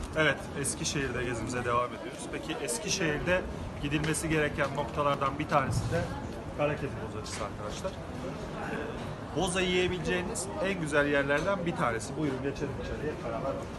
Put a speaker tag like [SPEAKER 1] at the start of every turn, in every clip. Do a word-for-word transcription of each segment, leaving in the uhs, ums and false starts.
[SPEAKER 1] Evet, Eskişehir'de gezimize devam ediyoruz. Peki Eskişehir'de gidilmesi gereken noktalardan bir tanesi de Karakedi bozacısı arkadaşlar. Boza yiyebileceğiniz en güzel yerlerden bir tanesi. Buyurun geçelim içeriye, beraber bakalım.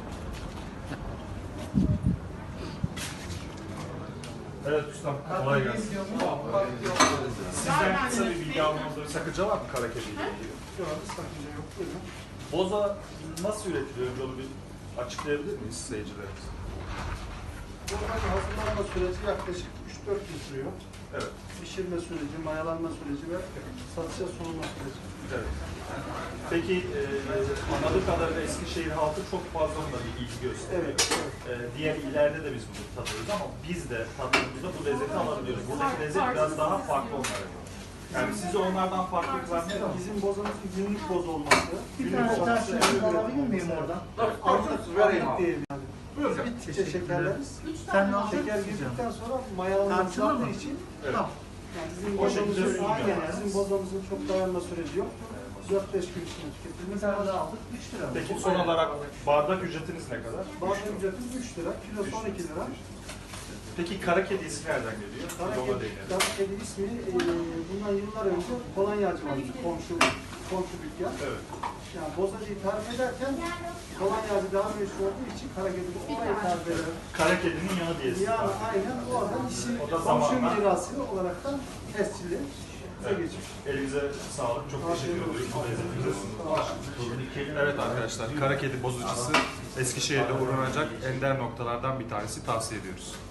[SPEAKER 1] Evet ustam, kolay gelsin. Sizden kısa bir bilgi almamızda bir sakınca var mı Karakedi ile ilgili?
[SPEAKER 2] Yok, sakınca yok. Buyurun.
[SPEAKER 1] Boza nasıl üretiliyor? Önce onu bir açıklayabilir miyiz seyircilerimize?
[SPEAKER 2] Bozanın hazırlanma süreci yaklaşık üç dört gün sürüyor.
[SPEAKER 1] Evet.
[SPEAKER 2] Pişirme süreci, mayalanma süreci ve satışa sunulma süreci.
[SPEAKER 1] Evet. Peki e, anladığım kadarıyla Eskişehir halkı çok fazla buna bir ilgi gösteriyor.
[SPEAKER 2] Evet, evet.
[SPEAKER 1] E, diğer illerde de biz bunu tadıyoruz ama biz de tattığımızda bu lezzeti alabiliyoruz. Buradaki lezzet biraz daha farklı onlara göre. Yani sizi onlardan farklı kılan ne var?
[SPEAKER 2] Bizim bozamızın günlük boz olması.
[SPEAKER 3] Bir
[SPEAKER 2] günlük
[SPEAKER 3] tane daha
[SPEAKER 2] satışı,
[SPEAKER 3] şöyle
[SPEAKER 2] evet.
[SPEAKER 3] alabilir miyim oradan?
[SPEAKER 2] Artık vereyim diyelim yani.
[SPEAKER 1] Buyurun.
[SPEAKER 2] Bittikçe şekerleriz.
[SPEAKER 3] Sen ne alacak
[SPEAKER 2] Şeker
[SPEAKER 3] mısın?
[SPEAKER 2] girdikten sonra mayalanması
[SPEAKER 3] Tartılır mı?
[SPEAKER 2] yaptığı için
[SPEAKER 1] Evet.
[SPEAKER 3] Tamam.
[SPEAKER 2] yani bizim
[SPEAKER 1] O şekilde
[SPEAKER 2] bozamızın,
[SPEAKER 1] sunuluyor.
[SPEAKER 2] aynen, bizim bozamızın çok dayanma süreci yok. dört beş gün içinde
[SPEAKER 3] Bir
[SPEAKER 2] tüketilmesi
[SPEAKER 3] tane
[SPEAKER 2] lazım.
[SPEAKER 3] daha aldık. üç lira.
[SPEAKER 1] Peki son olarak bardak ücretiniz ne kadar?
[SPEAKER 2] Bazı ücretimiz üç lira, kilosu on iki lira.
[SPEAKER 1] Peki Karakedi ismi nereden geliyor? Biz ona
[SPEAKER 2] Karakedi,
[SPEAKER 1] değinelim.
[SPEAKER 2] Karakedi ismi e, bundan yıllar önce Kolonyacı vardı, komşu, komşu dükkan.
[SPEAKER 1] Evet.
[SPEAKER 2] Yani bozacıyı tarif ederken Kolonyacı daha meşhur olduğu için Karakedi bu orayı tarif eder.
[SPEAKER 1] Karakedinin yanı diyesi.
[SPEAKER 2] Yani aynen o adam işi
[SPEAKER 1] O da
[SPEAKER 2] komşu
[SPEAKER 1] zamanla-
[SPEAKER 2] mirası olaraktan tescilli bize
[SPEAKER 1] Evet.
[SPEAKER 2] geçmiş.
[SPEAKER 1] Elinize sağlık. Çok teşekkür ediyoruz. Bu lezzetinize sunduğunuz. Evet arkadaşlar, Karakedi bozucusu Eskişehir'de uğranacak ender noktalardan bir tanesi, tavsiye ediyoruz.